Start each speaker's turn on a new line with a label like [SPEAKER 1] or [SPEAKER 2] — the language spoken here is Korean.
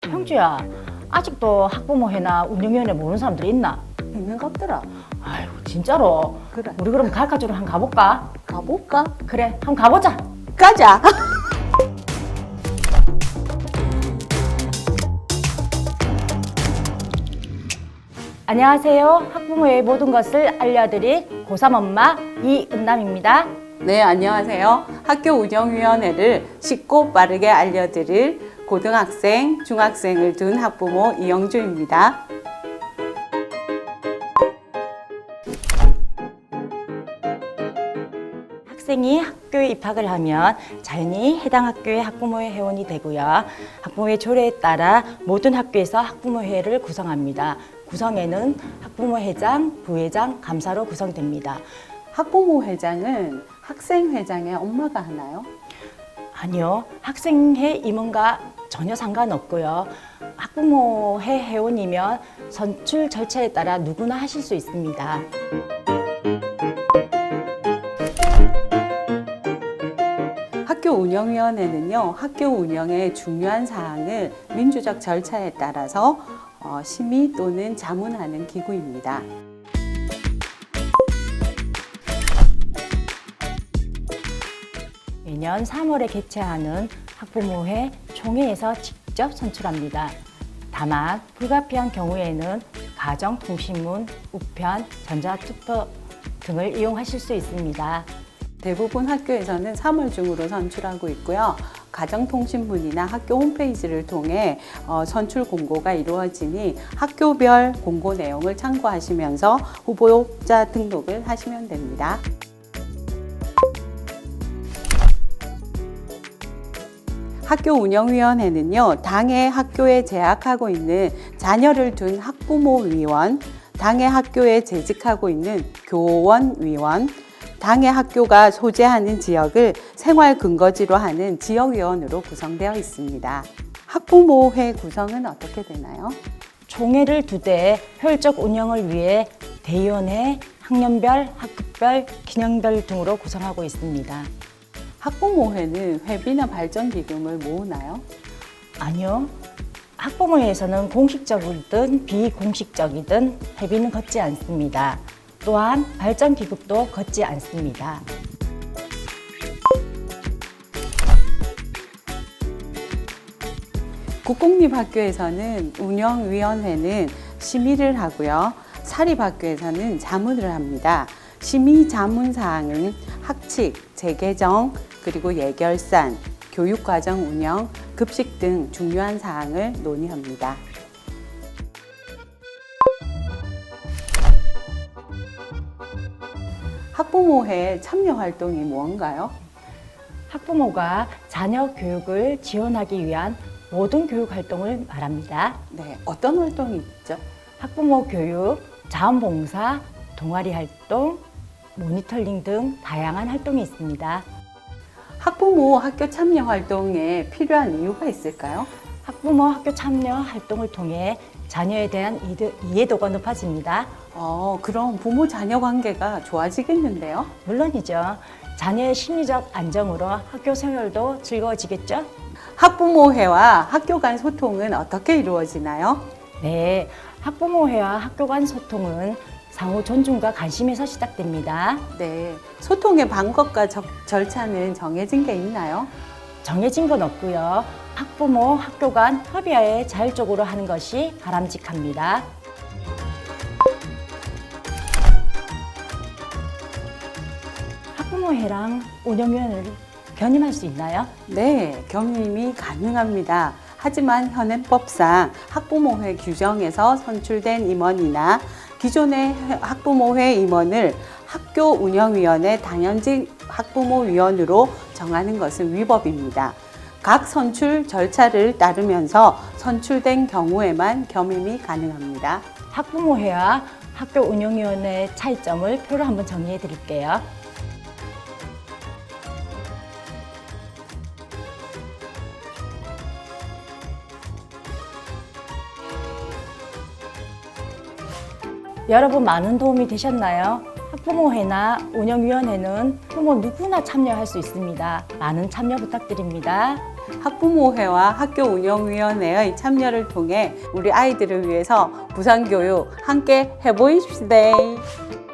[SPEAKER 1] 형주야, 아직도 학부모회나 운영위원회 모르는 사람들이 있나?
[SPEAKER 2] 있는 것 같더라.
[SPEAKER 1] 아유, 진짜로.
[SPEAKER 2] 그래.
[SPEAKER 1] 우리 그럼 가르쳐주러 한번 가볼까?
[SPEAKER 2] 가볼까?
[SPEAKER 1] 그래, 한번 가보자.
[SPEAKER 2] 가자.
[SPEAKER 1] 안녕하세요. 학부모의 모든 것을 알려드릴 고3 엄마 이은남입니다.
[SPEAKER 2] 네, 안녕하세요. 학교 운영위원회를 쉽고 빠르게 알려드릴 고등학생, 중학생을 둔 학부모 이영주입니다.
[SPEAKER 1] 학생이 학교에 입학을 하면 자연히 해당 학교의 학부모회 회원이 되고요. 학부모회 조례에 따라 모든 학교에서 학부모회를 구성합니다. 구성에는 학부모회장, 부회장, 감사로 구성됩니다.
[SPEAKER 2] 학부모 회장은 학생 회장의 엄마가 하나요?
[SPEAKER 1] 아니요, 학생회 임원과 전혀 상관없고요. 학부모회 회원이면 선출 절차에 따라 누구나 하실 수 있습니다.
[SPEAKER 2] 학교 운영위원회는요, 학교 운영의 중요한 사항을 민주적 절차에 따라서 심의 또는 자문하는 기구입니다.
[SPEAKER 1] 매년 3월에 개최하는 학부모회 총회에서 직접 선출합니다. 다만 불가피한 경우에는 가정통신문, 우편, 전자투표 등을 이용하실 수 있습니다.
[SPEAKER 2] 대부분 학교에서는 3월 중으로 선출하고 있고요. 가정통신문이나 학교 홈페이지를 통해 선출 공고가 이루어지니 학교별 공고 내용을 참고하시면서 후보자 등록을 하시면 됩니다. 학교 운영위원회는요, 당의 학교에 재학하고 있는 자녀를 둔 학부모위원, 당의 학교에 재직하고 있는 교원위원, 당의 학교가 소재하는 지역을 생활 근거지로 하는 지역위원으로 구성되어 있습니다. 학부모회 구성은 어떻게 되나요?
[SPEAKER 1] 총회를 두되 효율적 운영을 위해 대의원회, 학년별, 학급별, 기능별 등으로 구성하고 있습니다.
[SPEAKER 2] 학부모회는 회비나 발전기금을 모으나요?
[SPEAKER 1] 아니요. 학부모회에서는 공식적이든 비공식적이든 회비는 걷지 않습니다. 또한 발전기금도 걷지 않습니다.
[SPEAKER 2] 국공립학교에서는 운영위원회는 심의를 하고요. 사립학교에서는 자문을 합니다. 심의 자문 사항은 학칙, 재개정, 그리고 예결산, 교육과정 운영, 급식 등 중요한 사항을 논의합니다. 학부모회 참여 활동이 무언가요?
[SPEAKER 1] 학부모가 자녀 교육을 지원하기 위한 모든 교육 활동을 말합니다.
[SPEAKER 2] 네, 어떤 활동이 있죠?
[SPEAKER 1] 학부모 교육, 자원봉사, 동아리 활동, 모니터링 등 다양한 활동이 있습니다.
[SPEAKER 2] 학부모 학교 참여 활동에 필요한 이유가 있을까요?
[SPEAKER 1] 학부모 학교 참여 활동을 통해 자녀에 대한 이해도가 높아집니다.
[SPEAKER 2] 그럼 부모 자녀 관계가 좋아지겠는데요?
[SPEAKER 1] 물론이죠. 자녀의 심리적 안정으로 학교 생활도 즐거워지겠죠?
[SPEAKER 2] 학부모회와 학교 간 소통은 어떻게 이루어지나요?
[SPEAKER 1] 네, 학부모회와 학교 간 소통은 상호 존중과 관심에서 시작됩니다.
[SPEAKER 2] 네, 소통의 방법과 절차는 정해진 게 있나요?
[SPEAKER 1] 정해진 건 없고요. 학부모, 학교 간 협의하에 자율적으로 하는 것이 바람직합니다. 학부모회랑 운영위원회를 겸임할 수 있나요?
[SPEAKER 2] 네, 겸임이 가능합니다. 하지만 현행법상 학부모회 규정에서 선출된 임원이나 기존의 학부모회 임원을 학교 운영위원회 당연직 학부모위원으로 정하는 것은 위법입니다. 각 선출 절차를 따르면서 선출된 경우에만 겸임이 가능합니다.
[SPEAKER 1] 학부모회와 학교 운영위원회의 차이점을 표로 한번 정리해 드릴게요. 여러분 많은 도움이 되셨나요? 학부모회나 운영위원회는 부모 누구나 참여할 수 있습니다. 많은 참여 부탁드립니다.
[SPEAKER 2] 학부모회와 학교운영위원회의 참여를 통해 우리 아이들을 위해서 부산교육 함께 해보십시다.